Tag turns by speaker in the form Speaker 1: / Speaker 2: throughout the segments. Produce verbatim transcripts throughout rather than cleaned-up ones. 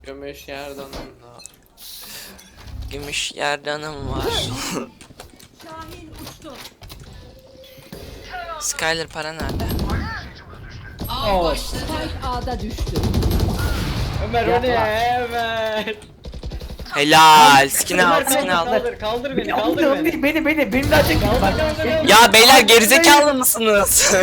Speaker 1: Gümüş yerdanımla.
Speaker 2: Gümüş yerdanım var.
Speaker 3: Şahin uçtu.
Speaker 2: Skyler para nerede?
Speaker 3: Av başladı. Spike A'da düştü.
Speaker 1: Ömer o ne Ömer?
Speaker 2: Helal. Skin'i al,
Speaker 1: Ömer
Speaker 2: skin'i
Speaker 1: kaldır,
Speaker 2: al.
Speaker 1: kaldır kaldır beni kaldır
Speaker 4: Kaldır
Speaker 1: beni.
Speaker 4: beni. Beni beni beni daha çekin.
Speaker 1: Kaldır kaldır kaldır.
Speaker 2: Ya beyler gerizekalı mısınız?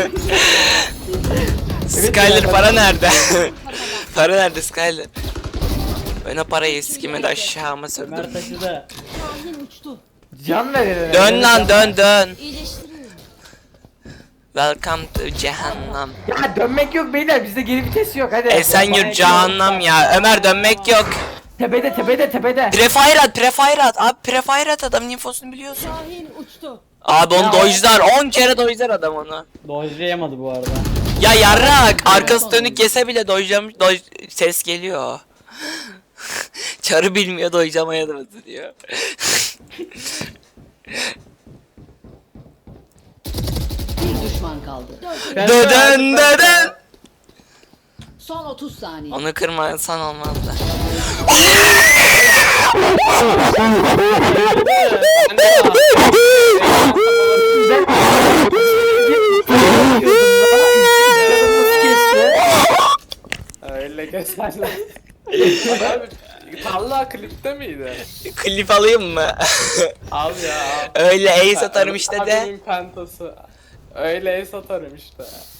Speaker 2: Skyler para nerede? Para nerede Skyler? Ben o parayı sikime de aşağıma sürdüm.
Speaker 1: Ömer taşıdı.
Speaker 3: Şahin uçtu.
Speaker 4: Can verin.
Speaker 2: Dön lan dön dön.
Speaker 3: İyileştiriyorum.
Speaker 2: Welcome to cehennem.
Speaker 4: Ya dönmek yok beyler, bizde geri vites yok, hadi.
Speaker 2: Esenyurt cehennem ya. Ömer dönmek yok.
Speaker 4: Tepede tepede tepede.
Speaker 2: Prefire at, prefire at. Abi prefire at, adamın infosunu biliyorsun.
Speaker 3: Şahin uçtu.
Speaker 2: Abi onu
Speaker 4: Ya.
Speaker 2: dojlar. on kere dojlar adam onu.
Speaker 1: Dojlayamadı bu arada.
Speaker 2: Ya yarrak, arkası dönük yese bile dojlamış, doj ses geliyor. Çarı bilmiyor, dojlamaya da diyor.
Speaker 3: Bir düşman kaldı.
Speaker 2: Dödön dödön.
Speaker 3: Son otuz saniye.
Speaker 2: Onu kırmasan olmazdı.
Speaker 1: Öyle gösterler. Abi Talha klipte miydi?
Speaker 2: Klip alayım mı?
Speaker 1: Al ya al.
Speaker 2: Öyle ace atarım işte de.
Speaker 1: Abimin pentası. Öyle ace atarım işte.